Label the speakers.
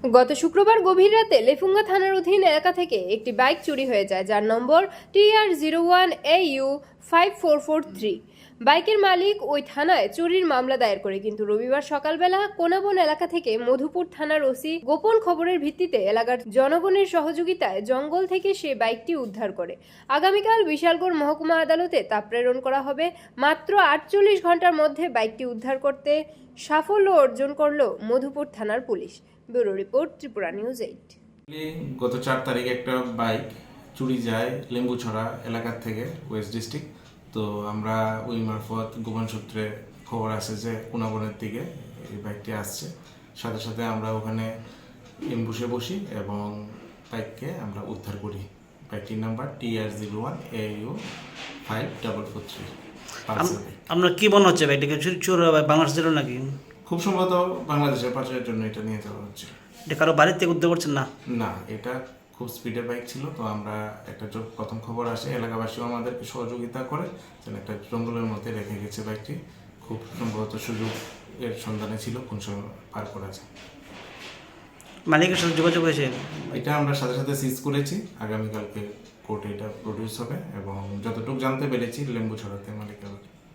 Speaker 1: গত শুক্রবার গভীর রাতে লেফুঙ্গা থানার অধীন এলাকা থেকে একটি বাইক চুরি হয়ে যায়, যার নম্বর TR01AU5443। বাইকের মালিক ওই থানায় চুরির মামলা দায়ের করে, কিন্তু রবিবার সকালবেলা কোনাবন এলাকা থেকে মধুপুর থানার ওসি গোপন খবরের ভিত্তিতে এলাকার জনগণের সহযোগিতায় জঙ্গল থেকে সে বাইকটি উদ্ধার করে। আগামীকাল বিশালগড় মহকুমা আদালতে তা প্রেরণ করা হবে। মাত্র 48 ঘন্টার মধ্যে বাইকটি উদ্ধার করতে সাফল্য অর্জন করল মধুপুর থানার police. Bureau report, Tripura news 8।
Speaker 2: গত 4 তারিখে একটা বাইক চুরি যায় লেম্বুছড়া এলাকার থেকে, ওয়েস্ট ডিস্ট্রিক্ট। তো আমরা ওই মারফত গোপন সূত্রে খবর আসে যে কোনাবনের দিকে এই বাইকটি আসছে। সাথে সাথে আমরা ওখানে এম্বুসে বসি এবং বাইককে আমরা উদ্ধার করি। বাইকটির নাম্বার TR01AU5443।
Speaker 3: আপনার কি মনে হচ্ছে বাইকটাকে চোর বাংলাদেশ ছিল নাকি?
Speaker 2: খুব সম্ভবত বাংলাদেশের পাচারের জন্য এটা নিয়ে যাওয়া হচ্ছে।
Speaker 3: এটা কারো বাড়ির থেকে উদ্ধার করছেন না?
Speaker 2: না, এটা খুব স্পিডের বাইক ছিল। তো আমরা একটা প্রথম খবর আসে, এলাকাবাসীও আমাদেরকে সহযোগিতা করে, যেন একটা জঙ্গলের মধ্যে রেখে গেছে বাইকটি। খুব সম্ভবত সুযোগ এর সন্ধানে ছিল কোন সময় পার করা যায়।
Speaker 3: মালিকের সাথে যোগাযোগ হয়েছে?
Speaker 2: এটা আমরা সাথে সাথে সিজ করেছি। আগামীকালকে কোর্টে এটা প্রডিউস হবে এবং যতটুকু জানতে পেরেছি লেম্বু ছড়াতে মালিকের